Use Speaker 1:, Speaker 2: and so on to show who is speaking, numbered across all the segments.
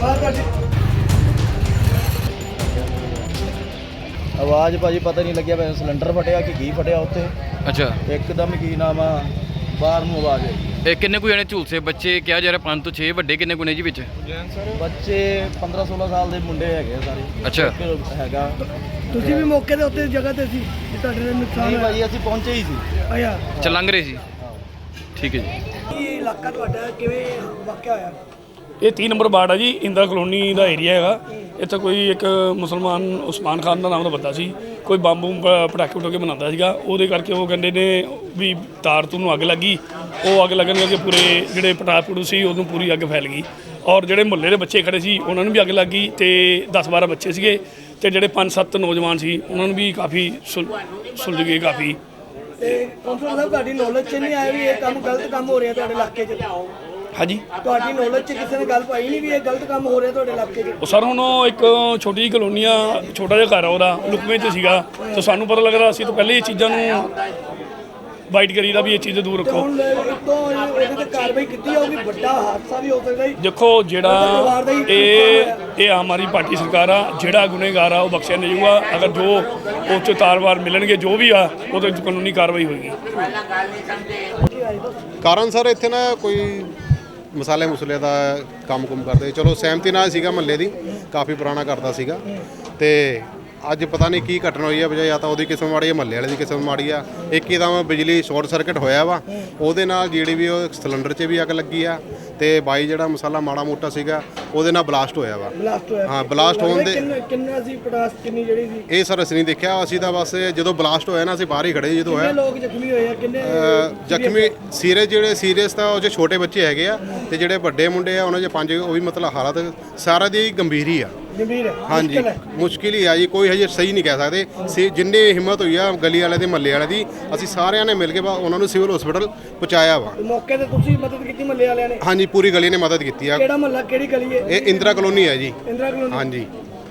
Speaker 1: आवाज़ भाजी पता नहीं लग्या सिलेंडर फटिया कि की फटिया उत्ते।
Speaker 2: अच्छा
Speaker 1: एकदम की नाम आ बाहर ਨੂੰ आवाज़ आई।
Speaker 2: ਇਹ ਕਿੰਨੇ ਕੁ ਜਣੇ ਝੂਲਸੇ ਬੱਚੇ ਕਿਹਾ ਜਾ ਰਿਹਾ 5 ਤੋਂ 6 ਵੱਡੇ ਕਿੰਨੇ ਕੁ ਨੇ ਜੀ ਵਿੱਚ?
Speaker 1: ਬੱਚੇ 15-16 ਸਾਲ ਦੇ ਮੁੰਡੇ ਹੈਗੇ ਸਾਰੇ।
Speaker 2: ਅੱਛਾ
Speaker 1: ਇੱਕ ਹੈਗਾ।
Speaker 3: ਤੁਸੀਂ ਵੀ ਮੌਕੇ ਦੇ ਉੱਤੇ ਜਗ੍ਹਾ ਤੇ ਸੀ ਕਿ ਤੁਹਾਡੇ ਨਾਲ ਨੁਕਸਾਨ
Speaker 1: ਨਹੀਂ
Speaker 3: ਹੋਇਆ?
Speaker 1: ਭਾਜੀ ਅਸੀਂ ਪਹੁੰਚੇ ਹੀ ਸੀ।
Speaker 3: ਅੱਛਾ
Speaker 2: ਅੱਛਾ ਲੰਘ ਰਹੇ ਸੀ। ਠੀਕ ਹੈ ਜੀ।
Speaker 3: ਇਹ ਇਲਾਕਾ ਤੁਹਾਡਾ ਕਿਵੇਂ ਵਾਕਿਆ ਹੋਇਆ?
Speaker 4: ਇਹ 3 ਨੰਬਰ ਵਾਰਡ ਆ ਜੀ, ਇੰਦਰਾ ਕਲੋਨੀ ਦਾ ਏਰੀਆ ਹੈਗਾ। ਇੱਥੇ ਕੋਈ ਇੱਕ ਮੁਸਲਮਾਨ ਉਸਮਾਨ ਖਾਨ ਦਾ ਨਾਮ ਦਾ ਬੰਦਾ ਸੀ, ਕੋਈ ਬੰਬ ਪਟਾਕੇ ਪਟਾਕੇ ਬਣਾਉਂਦਾ ਸੀਗਾ। ਉਹਦੇ ਕਰਕੇ ਉਹ ਕਹਿੰਦੇ ਨੇ ਵੀ ਤਾਰ ਤੂੰ ਨੂੰ ਅੱਗ ਲੱਗੀ। ਉਹ ਅੱਗ ਲੱਗਣ ਕਰਕੇ ਪੂਰੇ ਜਿਹੜੇ ਪਟਾਕੇ ਸੀ ਉਹਨੂੰ ਪੂਰੀ ਅੱਗ ਫੈਲ ਗਈ। ਔਰ ਜਿਹੜੇ ਮੁਹੱਲੇ ਦੇ ਬੱਚੇ ਖੜੇ ਸੀ ਉਹਨਾਂ ਨੂੰ ਵੀ ਅੱਗ ਲੱਗ ਗਈ ਤੇ 10-12 ਬੱਚੇ ਸੀਗੇ ਤੇ ਜਿਹੜੇ 5-7 ਨੌਜਵਾਨ ਸੀ ਉਹਨਾਂ ਨੂੰ ਵੀ ਕਾਫੀ ਸੁਲਝ ਗਏ ਕਾਫੀ।
Speaker 3: ਤੇ ਕੌਂਸਲਰ ਸਾਹਿਬ ਤੁਹਾਡੀ ਨੌਲੇਜ 'ਚ ਨਹੀਂ ਆਇਆ ਵੀ ਇਹ ਕੰਮ ਗਲਤ ਕੰਮ ਹੋ ਰਿਹਾ ਤੁਹਾਡੇ ਇਲਾਕੇ 'ਚ?
Speaker 4: ਹਾਂਜੀ
Speaker 3: ਤੁਹਾਡੀ ਨੌਲੇਜ 'ਚ ਕਿਸੇ ਨੇ ਗੱਲ ਪਾਈ ਨਹੀਂ ਵੀ ਇਹ ਗਲਤ ਕੰਮ ਹੋ ਰਿਹਾ ਤੁਹਾਡੇ ਇਲਾਕੇ 'ਚ?
Speaker 4: ਉਹ ਸਰ ਹੁਣ ਉਹ ਇੱਕ ਛੋਟੀ ਜਿਹੀ ਕਲੋਨੀ ਆ, ਛੋਟਾ ਜਿਹਾ ਘਰ ਆ ਉਹਦਾ, ਲੁਕਵੇਂ 'ਚ ਸੀਗਾ। ਤਾਂ ਸਾਨੂੰ ਪਤਾ ਲੱਗਦਾ ਅਸੀਂ ਤਾਂ ਪਹਿਲੇ ਇਹ ਚੀਜ਼ਾਂ ਨੂੰ ਵਾਈਟ ਕਰੀਦਾ ਵੀ ਇਹ ਚੀਜ਼ ਦੂਰ
Speaker 3: ਤੇ
Speaker 4: ਰੱਖੋ।
Speaker 3: ਹੁਣ ਤੋਂ ਇਹਦੇ ਤੇ ਕਾਰਵਾਈ ਕੀਤੀ ਜਾਊਗੀ, ਵੱਡਾ ਹਾਦਸਾ ਵੀ ਹੋ ਸਕਦਾ ਜੀ।
Speaker 4: ਦੇਖੋ ਜਿਹੜਾ ਇਹ ਆਮ ਆਦਮੀ ਪਾਰਟੀ ਸਰਕਾਰ ਆ, ਜਿਹੜਾ ਗੁਨੇਗਾਰ ਆ ਉਹ ਬਖਸ਼ਿਆ ਨਹੀਂ ਜਾਊਗਾ। ਅਗਰ ਜੋ ਉਹ 'ਚ ਤਾਰਵਾਰ ਮਿਲਣਗੇ ਜੋ ਵੀ ਆ ਉਹਦੇ ਕਾਨੂੰਨੀ ਕਾਰਵਾਈ ਹੋਏਗੀ।
Speaker 5: ਕਾਰਨ ਸਰ ਇੱਥੇ ਨਾ ਕੋਈ ਮਸਾਲੇ ਮੁਸਲੇ ਦਾ ਕੰਮ ਕਰਦੇ, ਚਲੋ ਸਹਿਮਤੀ ਨਾਲ ਸੀਗਾ, ਮਹੱਲੇ ਦੀ ਕਾਫੀ ਪੁਰਾਣਾ ਕਰਦਾ ਸੀਗਾ। ਤੇ ਅੱਜ ਪਤਾ ਨਹੀਂ ਕੀ ਘਟਨਾ ਹੋਈ ਆ, ਬਜਾਏ ਜਾਂ ਤਾਂ ਉਹਦੀ ਕਿਸਮ ਮਾੜੀ ਆ, ਮਹੱਲੇ ਵਾਲੇ ਦੀ ਕਿਸਮ ਮਾੜੀ ਆ। ਇੱਕ ਹੀ ਦਮ ਬਿਜਲੀ ਸ਼ਾਰਟ ਸਰਕਟ ਹੋਇਆ ਵਾ, ਉਹਦੇ ਨਾਲ ਜਿਹੜੀ ਵੀ ਉਹ ਸਿਲੰਡਰ 'ਚ ਵੀ ਅੱਗ ਲੱਗੀ ਆ ਤੇ ਬਾਈ ਜਿਹੜਾ ਮਸਾਲਾ ਮਾੜਾ ਮੋਟਾ ਸੀਗਾ ਉਹਦੇ ਨਾਲ ਬਲਾਸਟ ਹੋਇਆ ਵਾ।
Speaker 3: ਬਲਾਸਟ ਹੋਇਆ?
Speaker 5: ਹਾਂ ਬਲਾਸਟ ਹੋਣ ਦੇ
Speaker 3: ਕਿੰਨਾ ਸੀ ਪਟਾਸ, ਕਿੰਨੀ ਜਿਹੜੀ ਸੀ?
Speaker 5: ਇਹ ਸਰ ਅਸੀਂ ਨਹੀਂ ਦੇਖਿਆ, ਅਸੀਂ ਤਾਂ ਬਸ ਜਦੋਂ ਬਲਾਸਟ ਹੋਇਆ ਨਾ ਅਸੀਂ ਬਾਹਰ ਹੀ ਖੜੇ ਜਦੋਂ ਹੋਇਆ।
Speaker 3: ਕਿੰਨੇ ਲੋਕ ਜ਼ਖਮੀ ਹੋਏ ਆ? ਕਿੰਨੇ
Speaker 5: ਜ਼ਖਮੀ ਸੀਰੀਅਸ, ਜਿਹੜੇ ਸੀਰੀਅਸ ਤਾਂ ਉਹ 'ਚ ਛੋਟੇ ਬੱਚੇ ਹੈਗੇ ਆ ਤੇ ਜਿਹੜੇ ਵੱਡੇ ਮੁੰਡੇ ਆ ਉਹਨਾਂ 'ਚ 5 ਉਹ ਵੀ ਮਤਲਬ ਹਾਲਤ ਸਾਰਾ ਦੀ ਗੰਭੀਰ ਹੀ ਆ।
Speaker 3: ਗੰਭੀਰ ਹੈ?
Speaker 5: ਹਾਂਜੀ ਮੁਸ਼ਕਿਲ ਹੀ ਆ ਜੀ, ਕੋਈ ਹਜੇ ਸਹੀ ਨਹੀਂ ਕਹਿ ਸਕਦੇ। ਜਿੰਨੇ ਹਿੰਮਤ ਹੋਈ ਆ ਗਲੀ ਵਾਲੇ ਦੇ ਮਹੱਲੇ ਵਾਲੇ ਦੀ, ਅਸੀਂ ਸਾਰਿਆਂ ਨੇ ਮਿਲ ਕੇ ਉਹਨਾਂ ਨੂੰ ਸਿਵਲ ਹਸਪੀਟਲ ਪਹੁੰਚਾਇਆ ਵਾ।
Speaker 3: ਮੌਕੇ ਤੇ ਤੁਸੀਂ ਮਦਦ ਕੀਤੀ ਮਹੱਲੇ ਵਾਲਿਆਂ ਨੇ?
Speaker 5: ਹਾਂਜੀ ਪੂਰੀ ਗਲੀ ਨੇ ਮਦਦ ਕੀਤੀ ਆ।
Speaker 3: ਕਿਹੜਾ ਮਹੱਲਾ, ਕਿਹੜੀ ਗਲੀ ਹੈ
Speaker 5: ਇਹ ਇੰਦਰਾ ਕਲੋਨੀ ਹੈ ਜੀ।
Speaker 3: ਇੰਦਰਾ ਕਲੋਨੀ?
Speaker 5: ਹਾਂਜੀ।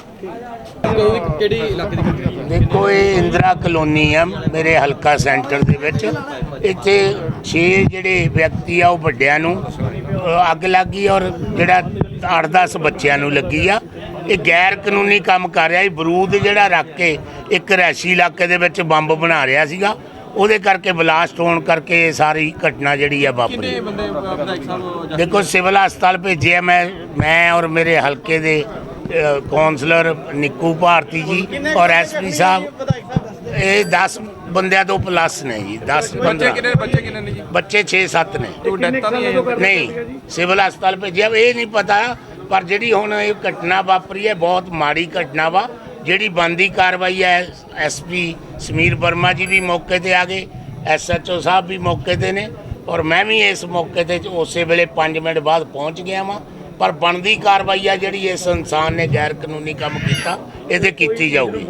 Speaker 2: ਕਿਹੜੀ ਇਲਾਕੇ ਦੀ?
Speaker 6: ਦੇਖੋ ਇਹ ਇੰਦਰਾ ਕਲੋਨੀ ਆ ਮੇਰੇ ਹਲਕਾ ਸੈਂਟਰ ਦੇ ਵਿੱਚ। ਇੱਥੇ 6 ਜਿਹੜੇ ਵਿਅਕਤੀ ਆ ਉਹ ਵੱਡਿਆਂ ਨੂੰ ਅੱਗ ਲੱਗੀ ਔਰ ਜਿਹੜਾ 8-10 ਬੱਚਿਆਂ ਨੂੰ ਲੱਗੀ ਆ। ਇਹ ਗੈਰ ਕਾਨੂੰਨੀ ਕੰਮ ਕਰ ਰਿਹਾ ਸੀ। ਬਰੂਦ ਜਿਹੜਾ ਰੱਖ ਕੇ ਇੱਕ ਰਿਹਾਇਸ਼ੀ ਇਲਾਕੇ ਦੇ ਵਿੱਚ ਬੰਬ ਬਣਾ ਰਿਹਾ ਸੀਗਾ, ਉਹਦੇ ਕਰਕੇ ਬਲਾਸਟ ਹੋਣ ਕਰਕੇ ਇਹ ਸਾਰੀ ਘਟਨਾ ਜਿਹੜੀ ਆ ਵਾਪਰੀ। ਦੇਖੋ ਸਿਵਲ ਹਸਪਤਾਲ ਭੇਜਿਆ ਮੈਂ ਔਰ ਮੇਰੇ ਹਲਕੇ ਦੇ ਕੌਂਸਲਰ ਨਿੱਕੂ ਭਾਰਤੀ ਜੀ ਔਰ ਐਸਪੀ ਸਾਹਿਬ। ਇਹ 10 ਬੰਦਿਆਂ ਤੋਂ ਪਲੱਸ ਨੇ ਜੀ। 10-15 ਬੱਚੇ 6-7 ਨੇ। ਨਹੀਂ ਸਿਵਲ ਹਸਪਤਾਲ ਭੇਜਿਆ, ਇਹ ਨਹੀਂ ਪਤਾ। ਪਰ ਜਿਹੜੀ ਹੁਣ ਇਹ ਘਟਨਾ ਵਾਪਰੀ ਹੈ ਬਹੁਤ ਮਾੜੀ ਘਟਨਾ ਵਾ। ਜਿਹੜੀ ਬਣਦੀ ਕਾਰਵਾਈ ਹੈ ਐਸਪੀ ਸਮੀਰ ਵਰਮਾ ਜੀ ਵੀ ਮੌਕੇ ਤੇ ਆ ਗਏ, SHO ਸਾਹਿਬ ਵੀ ਮੌਕੇ ਤੇ ਨੇ ਔਰ ਮੈਂ ਵੀ ਇਸ ਮੌਕੇ ਤੇ ਉਸੇ ਵੇਲੇ 5 ਮਿੰਟ ਬਾਅਦ ਪਹੁੰਚ ਗਿਆ ਵਾਂ। ਪਰ ਬਣਦੀ ਕਾਰਵਾਈ ਆ ਜਿਹੜੀ ਇਸ ਇਨਸਾਨ ਨੇ ਗੈਰ ਕਾਨੂੰਨੀ ਕੰਮ ਕੀਤਾ ਇਹਦੇ ਕੀਤੀ ਜਾਊਗੀ।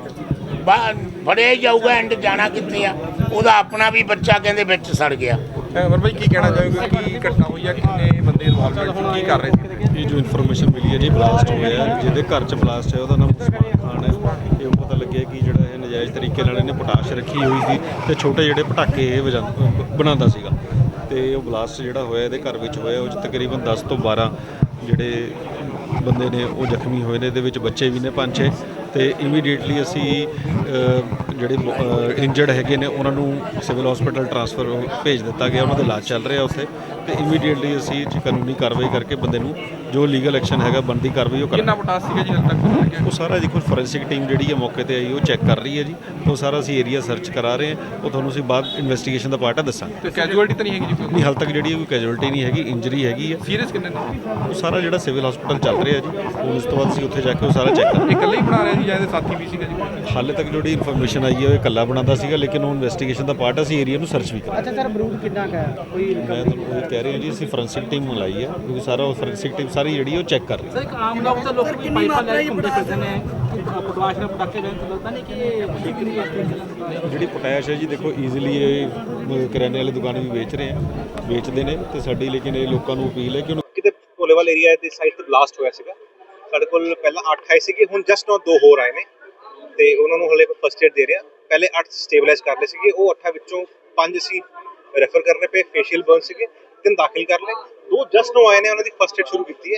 Speaker 6: ਫੜਿਆ ਹੀ ਜਾਊਗਾ। ਐਂਡ ਜਾਣਾ ਕਿੱਥੇ ਆ? ਉਹਦਾ ਆਪਣਾ ਵੀ ਬੱਚਾ ਕਹਿੰਦੇ ਵਿੱਚ ਸੜ ਗਿਆ।
Speaker 7: ਅਮਰ ਭਾਈ ਕੀ ਕਹਿਣਾ ਚਾਹੋਗੇ, ਕੀ ਘਟਨਾ ਹੋਈ ਆ, ਕਿੰਨੇ ਬੰਦੇ ਇਨਵੋਲਵਮੈਂਟ, ਕੀ ਕਰ ਰਹੇ ਸੀ?
Speaker 8: ਇਹ ਜੋ ਇਨਫੋਰਮੇਸ਼ਨ ਮਿਲੀ ਹੈ ਜੀ ਬਲਾਸਟ ਹੋਇਆ, ਜਿਹਦੇ ਘਰ 'ਚ ਬਲਾਸਟ ਹੈ ਉਹਦਾ ਨਾਮ ਉਸਮਾਨ ਖਾਨ ਹੈ। ਇਹ ਪਤਾ ਲੱਗਿਆ ਕਿ ਜਿਹੜਾ ਇਹ ਨਜਾਇਜ਼ ਤਰੀਕੇ ਨਾਲ ਇਹਨੇ ਪੋਟਾਸ਼ ਰੱਖੀ ਹੋਈ ਸੀ ਤੇ ਛੋਟੇ ਜਿਹੜੇ ਪਟਾਕੇ ਇਹ ਬਣਾਉਂਦਾ ਸੀਗਾ ਤੇ ਉਹ ਬਲਾਸਟ ਜਿਹੜਾ ਹੋਇਆ ਇਹਦੇ ਘਰ ਵਿੱਚ ਹੋਇਆ। ਉਹ 'ਚ ਤਕਰੀਬਨ 10 ਤੋਂ 12 ਜਿਹੜੇ ਬੰਦੇ ਨੇ ਉਹ ਜ਼ਖਮੀ ਹੋਏ ਨੇ। ਇਹਦੇ ਵਿੱਚ ਬੱਚੇ ਵੀ ਨੇ 5-6 ਤੇ ਇਮੀਡੀਏਟਲੀ ਅਸੀਂ ਜਿਹੜੇ ਇੰਜਰਡ ਹੈਗੇ ਨੇ ਉਹਨਾਂ ਨੂੰ ਸਿਵਲ ਹਸਪੀਟਲ ਟ੍ਰਾਂਸਫਰ ਭੇਜ ਦਿੱਤਾ ਗਿਆ। ਉਹਨਾਂ ਦਾ ਇਲਾਜ ਚੱਲ ਰਿਹਾ ਉੱਥੇ ਤੇ ਇਮੀਡੀਏਟਲੀ ਅਸੀਂ ਕਾਨੂੰਨੀ ਕਾਰਵਾਈ ਕਰਕੇ ਬੰਦੇ ਨੂੰ ਜੋ ਲੀਗਲ ਐਕਸ਼ਨ ਹੈਗਾ ਬਣਦੀ ਕਾਰਵਾਈ ਉਹ
Speaker 7: ਕਿੰਨਾ ਪੋਟਾਸ ਸੀਗਾ ਜੀ ਹਾਲੇ ਤੱਕ?
Speaker 8: ਉਹ ਸਾਰਾ ਜੀ ਕੋਈ ਫੋਰੈਂਸਿਕ ਟੀਮ ਜਿਹੜੀ ਹੈ ਮੌਕੇ ਤੇ ਆਈ ਉਹ ਚੈੱਕ ਕਰ ਰਹੀ ਹੈ ਜੀ। ਉਹ ਸਾਰਾ ਅਸੀਂ ਏਰੀਆ ਸਰਚ ਕਰਾ ਰਹੇ ਹਾਂ। ਉਹ ਤੁਹਾਨੂੰ ਅਸੀਂ ਬਾਅਦ ਇਨਵੈਸਟੀਗੇਸ਼ਨ ਦਾ ਪਾਰਟ ਆ ਦੱਸਾਂਗੇ।
Speaker 7: ਤੇ ਕੈਜੂਅਲਟੀ ਤਾਂ ਨਹੀਂ ਹੈਗੀ ਜੀ?
Speaker 8: ਨਹੀਂ ਹਾਲ ਤੱਕ ਜਿਹੜੀ ਕੋਈ ਕੈਜੂਅਲਟੀ ਨਹੀਂ ਹੈਗੀ, ਇੰਜਰੀ ਹੈਗੀ ਹੈ।
Speaker 7: ਸੀਰੀਅਸ ਕਿੰਨੇ ਨੇ?
Speaker 8: ਉਹ ਸਾਰਾ ਜਿਹੜਾ ਸਿਵਲ ਹਸਪੀਟਲ ਚੱਲ ਰਿਹਾ ਜੀ, ਉਸ ਤੋਂ ਬਾਅਦ ਅਸੀਂ ਉੱਥੇ ਜਾ ਕੇ ਉਹ ਸਾਰਾ ਚੈੱਕ ਕਰਾਂਗੇ।
Speaker 7: ਇਕੱਲੇ ਹੀ ਬਣਾ ਰਿਹਾ ਜੀ ਜਾਂ ਇਹਦੇ ਸਾਥੀ ਵੀ ਸੀਗਾ ਜੀ?
Speaker 8: ਹਾਲੇ ਤੱਕ ਜਿਹੜੀ ਇਨਫੋਰਮੇਸ਼ਨ ਆਈ ਹੈ ਉਹ ਇਕੱਲਾ ਬਣਾਉਂਦਾ ਸੀਗਾ, ਲੇਕਿਨ ਉਹ ਇਨਵੈਸਟੀਗੇਸ਼ਨ ਦਾ ਪਾਰਟ ਅਸੀਂ ਏਰੀਆ ਨੂੰ ਸਰਚ ਵੀ ਕਰਾਂਗੇ।
Speaker 3: ਅੱਛਾ ਸਰ, ਬਰੂਦ ਕਿੰਨਾ ਕੁ ਹੈ? ਕੋਈ
Speaker 8: ਮੈਂ ਤੁਹਾਨੂੰ ਇਹ ਕਹਿ ਰਿਹਾ ਜੀ ਅਸੀਂ ਫੋਰੈਂਸਿਕ ਟੀਮ ਮੰਗਾਈ ਹੈ ਕਿਉਂਕਿ ਸਾਰਾ ਉਹ ਫੋਰੈਂਸਿਕ ਟੀਮ ਸਾਰੀ ਜਿਹੜੀ ਉਹ ਚੈੱਕ ਕਰ ਰਹੀ ਹੈ।
Speaker 3: ਸਰ ਇੱਕ ਆਮ ਲੋਕ ਤਾਂ ਲੋਕ ਪਾਈਪਾਂ ਲੈ ਕੇ ਘੁੰਮਦੇ ਫਿਰਦੇ ਨੇ, ਪਟਾਸ਼ ਨਾਲ ਪਟਾਕੇ ਲੈਣ ਤੋਂ ਲੱਗਦਾ ਨਹੀਂ ਕਿ ਇਹ ਬਿਕਰੀ ਵਾਸਤੇ?
Speaker 8: ਜਿਹੜੀ ਪੋਟਾਸ਼ ਹੈ ਜੀ ਦੇਖੋ ਈਜ਼ੀਲੀ ਇਹ ਕਰਿਆਨੇ ਵਾਲੀ ਦੁਕਾਨ ਵੀ ਵੇਚਦੇ ਨੇ ਤੇ ਸਾਡੀ ਲੇਕਿਨ ਇਹ ਲੋਕਾਂ ਨੂੰ ਅਪੀਲ ਹੈ ਕਿ
Speaker 9: ਕਿਤੇ ਭੋਲੇਵਾਲ ਏਰੀਆ ਦੇ ਸਾਈਡ ਤੇ ਬਲਾਸਟ ਹੋਇਆ ਸੀਗਾ। ਸਾਡੇ ਕੋਲ ਪਹਿਲਾਂ 8 ਆਏ ਸੀਗੇ, ਹੁਣ ਜਸਟ now 2 ਹੋਰ ਆਏ ਨੇ ਤੇ ਉਹਨਾਂ ਨੂੰ ਹਲੇ ਫਸਟ ਏਡ ਦੇ ਰਿਹਾ। ਪਹਿਲੇ 8 ਸਟੇਬਲਾਈਜ਼ ਕਰ ਲਏ ਸੀਗੇ, ਉਹ 8 ਵਿੱਚੋਂ 5 ਅਸੀਂ ਰੈਫਰ ਕਰਨੇ ਪਏ, ਫੇਸ਼ੀਅਲ ਬਰਨ ਸੀਗੇ, 3 ਦਾਖਲ ਕਰ ਲਏ। 2 ਜਸਟ now ਆਏ ਨੇ, ਉਹਨਾਂ ਦੀ ਫਸਟ ਏਡ ਸ਼ੁਰੂ ਕੀਤੀ ਹੈ।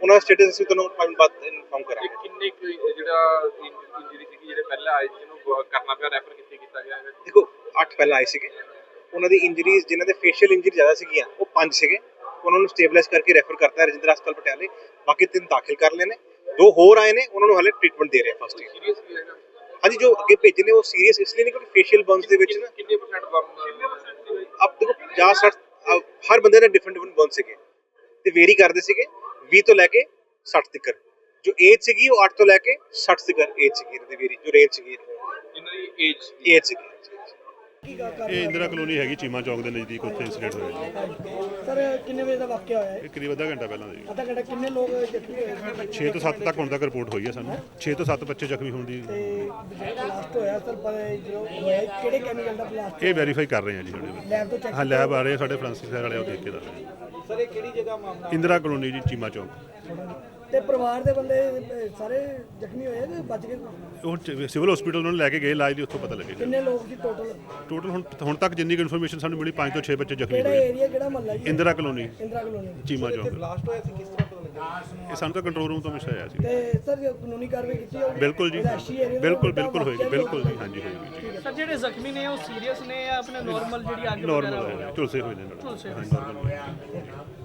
Speaker 9: ਉਹਨਾਂ ਦਾ ਸਟੇਟਸ ਅਸੀਂ ਤੁਹਾਨੂੰ 5 ਮਿੰਟ ਬਾਅਦ ਇਨਫੋਰਮ ਕਰਾਂਗੇ।
Speaker 7: ਕਿੰਨੇ ਜਿਹੜਾ ਇੰਜਰੀ ਸੀਗੀ ਜਿਹੜੇ ਪਹਿਲਾਂ ਆਏ ਜਿਹਨੂੰ ਕਰਨਾ ਪਿਆ ਰੈਫਰ ਕੀਤਾ ਗਿਆ ਹੈ?
Speaker 9: ਦੇਖੋ 8 ਪਹਿਲਾਂ ਆਏ ਸੀਗੇ, ਉਹਨਾਂ ਦੀ ਇੰਜਰੀਜ਼ ਜਿਨ੍ਹਾਂ ਦੇ ਫੇਸ਼ੀਅਲ ਇੰਜਰੀ ਜ਼ਿਆਦਾ ਸੀਗੀਆਂ ਉਹ 5 ਸੀਗੇ, ਉਹਨਾਂ ਨੂੰ ਸਟੇਬਲਾਈਜ਼ ਕਰਕੇ ਰੈਫਰ ਕਰਤਾ ਰਜਿੰਦਰਾ ਹਸਪਤਾਲ ਪਟਿਆਲੇ। ਬਾਕੀ 3 ਦਾਖਲ ਕਰ ਲਏ ਨੇ, 2 ਹੋਰ ਆਏ ਨੇ, ਉਹਨਾਂ ਨੂੰ ਹਾਲੇ ਟ੍ਰੀਟਮੈਂਟ ਦੇ ਰਹੇ ਆ ਫਸਟ ਏਡ।
Speaker 7: ਸੀਰੀਅਸ ਵੀ ਹੈਗਾ?
Speaker 9: ਹਾਂਜੀ, ਜੋ ਅੱਗੇ ਭੇਜੇ ਨੇ ਉਹ ਸੀਰੀਅਸ ਇਸ ਲਈ ਨਹੀਂ ਕਿਉਂਕਿ ਫੇਸ਼ੀਅਲ ਬਰਨਸ ਦੇ ਵਿੱਚ ਨਾ
Speaker 7: ਕਿੰਨੇ % ਬਮ?
Speaker 9: ਅਬ ਦੇਖੋ 50-60 ਹਰ ਬੰਦੇ ਦਾ ਡਿਫਰੈਂਟ ਬਰਨ ਸੀਗੇ ਤੇ ਵੇਰੀ ਕਰਦੇ ਸੀਗੇ 20 ਤੋਂ ਲੈ ਕੇ 60 ਤੱਕ। ਜੋ ਏਜ ਸੀਗੀ ਉਹ 8 ਤੋਂ ਲੈ ਕੇ 60 ਤੱਕ ਏਜ ਸੀਗੀ ਇਹਨਾਂ ਦੀ ਵੇਰੀ, ਜੋ ਰੇਂਜ ਸੀਗੀ
Speaker 7: ਜਿਨ੍ਹਾਂ ਦੀ ਏਜ
Speaker 9: ਸੀਗੀ।
Speaker 10: ਇਹ ਇੰਦਰਾ ਕਲੋਨੀ ਹੈਗੀ ਚੀਮਾ ਚੌਕ ਦੇ ਨਜ਼ਦੀਕ, ਉੱਥੇ ਇੰਸੀਡੈਂਟ ਹੋਇਆ
Speaker 3: ਸਰ ਕਿੰਨੇ ਵਜੇ ਦਾ ਵਾਕਿਆ ਹੋਇਆ ਹੈ?
Speaker 10: ਇਹ ਕਰੀਬ ਅੱਧਾ ਘੰਟਾ ਪਹਿਲਾਂ ਜੀ।
Speaker 3: ਅੱਧਾ ਘੰਟਾ ਕਿੰਨੇ ਲੋਕ ਜ਼ਖਮੀ ਹੋਏ?
Speaker 10: 6 ਤੋਂ 7 ਤੱਕ ਹੁਣ ਤੱਕ ਰਿਪੋਰਟ ਹੋਈ ਹੈ ਸਾਨੂੰ, 6 ਤੋਂ 7 ਬੱਚੇ ਜ਼ਖਮੀ ਹੋਣ ਦੀ।
Speaker 3: ਤੇ ਬਲਾਸਟ ਹੋਇਆ ਸਰ, ਪਰ ਜੋ ਹੋਇਆ ਕਿਹੜੇ ਕੈਮੀਕਲ ਦਾ ਬਲਾਸਟ?
Speaker 10: ਇਹ ਵੈਰੀਫਾਈ ਕਰ ਰਹੇ ਹਾਂ ਜੀ ਸਾਡੇ
Speaker 3: ਲੈਬ ਤੋਂ ਚੈੱਕ?
Speaker 10: ਹਾਂ, ਲੈਬ ਆ ਰਹੇ ਆ ਸਾਡੇ ਫੋਰੈਂਸਿਕ ਸਾਈਡ ਵਾਲੇ, ਉਹ ਦੇਖ ਕੇ ਦੱਸ ਰਹੇ।
Speaker 3: ਸਰ ਇਹ ਕਿਹੜੀ ਜਗ੍ਹਾ ਮਾਮਲਾ?
Speaker 10: ਇੰਦਰਾ ਕਲੋਨੀ ਜੀ, ਚੀਮਾ ਚੌਕ।
Speaker 3: ਤੇ ਪਰਿਵਾਰ ਦੇ ਬੰਦੇ ਸਾਰੇ ਜ਼ਖਮੀ ਹੋਏ ਤੇ ਬਚ ਗਏ?
Speaker 10: ਉਹ ਸਿਵਲ ਹਸਪੀਟਲ ਉਹਨਾਂ ਨੂੰ ਲੈ ਕੇ ਗਏ ਇਲਾਜ ਲਈ, ਉੱਥੋਂ ਪਤਾ ਲੱਗੇਗਾ।
Speaker 3: ਕਿੰਨੇ ਲੋਕ ਸੀ ਟੋਟਲ?
Speaker 10: ਟੋਟਲ ਹੁਣ ਤੱਕ ਜਿੰਨੀ ਕੁ ਇਨਫੋਰਮੇਸ਼ਨ ਸਾਨੂੰ ਮਿਲੀ 5 ਤੋਂ 6 ਬੱਚੇ ਜ਼ਖਮੀ
Speaker 3: ਕਿਹੜਾ
Speaker 10: ਹੋਏ।
Speaker 3: ਏਰੀਆ, ਕਿਹੜਾ ਮਹੱਲਾ ਜੀ?
Speaker 10: Indira colony,
Speaker 3: Indira colony.
Speaker 10: Cheema Chowk.
Speaker 3: Blast ਹੋਇਆ ਸੀ, ਕਿਸ ਤਰ੍ਹਾਂ ਪਤਾ ਲੱਗਿਆ?
Speaker 10: ਇਹ ਸਾਨੂੰ ਤਾਂ ਕੰਟਰੋਲ ਰੂਮ ਤੋਂ ਮਿਲਿਆ ਸੀ।
Speaker 3: ਤੇ ਸਰ ਕਾਨੂੰਨੀ ਕਾਰਵਾਈ ਕੀਤੀ ਜਾਊਗੀ?
Speaker 10: ਬਿਲਕੁਲ ਜੀ, ਬਿਲਕੁਲ ਹੋਏਗੀ, ਬਿਲਕੁਲ ਜੀ, ਹਾਂਜੀ ਹੋਏਗੀ ਜੀ।
Speaker 3: ਸਰ ਜਿਹੜੇ ਜ਼ਖਮੀ ਨੇ ਉਹ ਸੀਰੀਅਸ ਨੇ ਜਾਂ ਆਪਣੇ ਨਾਰਮਲ ਜਿਹੜੀ ਅੱਗ
Speaker 10: ਨਾਰਮਲ ਹੈ, ਝੁਲਸੇ ਹੋਏ ਨੇ ਨਾਲ। ਹਾਂਜੀ, ਨਾਰਮਲ ਹੋਏ।